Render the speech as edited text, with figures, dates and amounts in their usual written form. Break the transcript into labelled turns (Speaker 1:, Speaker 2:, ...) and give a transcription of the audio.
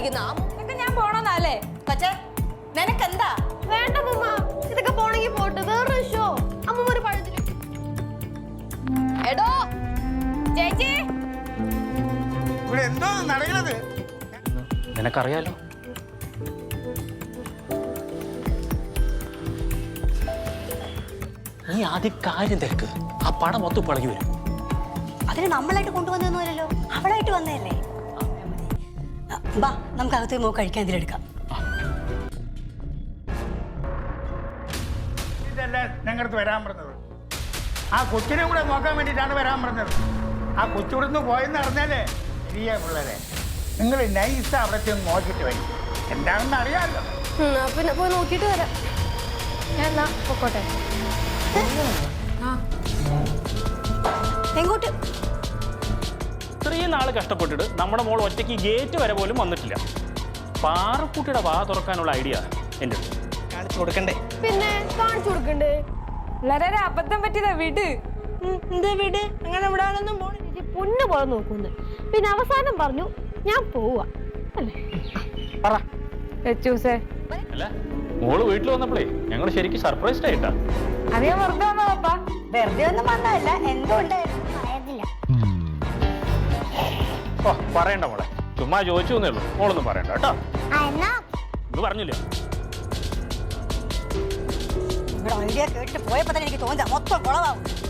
Speaker 1: കാണിക്കുന്ന ഇതൊക്കെ ഞാൻ പോണോന്നല്ലേ പക്ഷേ നിനക്കെന്താ
Speaker 2: വേണ്ട അമ്മൂമ്മ, ഇതൊക്കെ പോണെങ്കിൽ പോട്ട്. വേറൊരു ഷോ അമ്മൂമ്മ ഒരു പഴത്തില്.
Speaker 1: എടോ ചേച്ചി,
Speaker 3: ഇവിടെ എന്തോ നടക്കുന്നത്
Speaker 4: നിനക്കറിയാലോ. നീ ആദ്യം കാര്യം തിരക്ക്. ആ പടം മൊത്തം പിളകി വരും.
Speaker 5: അതിന് നമ്മളായിട്ട് കൊണ്ടുവന്നൊന്നുമല്ലല്ലോ, അവളായിട്ട് വന്നതല്ലേ. ബാ, നമുക്ക് അകത്ത് മോക്ക് കഴിക്കാൻ എന്തിലെടുക്കാം.
Speaker 3: ഇതല്ല ഞങ്ങൾക്ക് വരാൻ പറഞ്ഞത്. ആ കൊച്ചിനെ കൂടെ നോക്കാൻ വേണ്ടിയിട്ടാണ് വരാൻ പറഞ്ഞത്. ആ കൊച്ചിവിടുന്ന് പോയെന്ന് അറിഞ്ഞാലേ ശരിയാ പിള്ളേരെ. നിങ്ങൾ നൈസ് അവിടെ ചെന്ന് നോക്കിയിട്ട് വരും. എന്താണെന്ന് അറിയാമല്ലോ.
Speaker 2: പിന്നെ പോയി നോക്കിയിട്ട് വരാം. ഞാൻ എന്നാ പൊക്കോട്ടെ.
Speaker 5: എങ്ങോട്ട്?
Speaker 4: ഇത്രയും നാൾ കഷ്ടപ്പെട്ടിട്ട് നമ്മുടെ മോൾ ഒറ്റയ്ക്ക് ഗേറ്റ് വരെ പോലും വന്നിട്ടില്ല. പാറക്കുട്ടിയുടെ വാ തുറക്കാനുള്ള ഐഡിയ എൻ്റെ കാണിച്ചു കൊടുക്കണ്ടേ?
Speaker 2: പിന്നെ കാണിച്ചു കൊടുക്കണ്ടേ?
Speaker 1: വളരെ അബദ്ധം പറ്റിയതാ. വിട്.
Speaker 2: എന്താ വീട്? അങ്ങനെ വിടാനൊന്നും പോണില്ല. പൊന്നു പോലെ നോക്കുന്നു. പിന്നെ അവസാനം പറഞ്ഞു ഞാൻ പോവാ അല്ലേ?
Speaker 4: പറ.
Speaker 1: അല്ല
Speaker 4: മോള് വീട്ടിൽ വന്നപ്പോഴേ ഞങ്ങൾ ശരിക്കും സർപ്രൈസ്ഡ് ആയിട്ടാ.
Speaker 1: അതേ വെറുതെ വന്നോ പപ്പാ?
Speaker 5: വെറുതെ ഒന്നും വന്നതല്ല, എന്തോ ഉണ്ടായിരുന്നു അറിയത്തില്ല.
Speaker 4: ഓ പറയണ്ട മോളെ, ചുമ്മാ ചോദിച്ചു എന്നേ ഉള്ളൂ. മോളൊന്നും പറയണ്ട കേട്ടോ. ഇത് പറഞ്ഞില്ല.
Speaker 5: ഇവിടെ ഐഡിയ കേട്ടിട്ട് പോയപ്പോ തന്നെ എനിക്ക് തോന്നുക മൊത്തം കുളവാകും.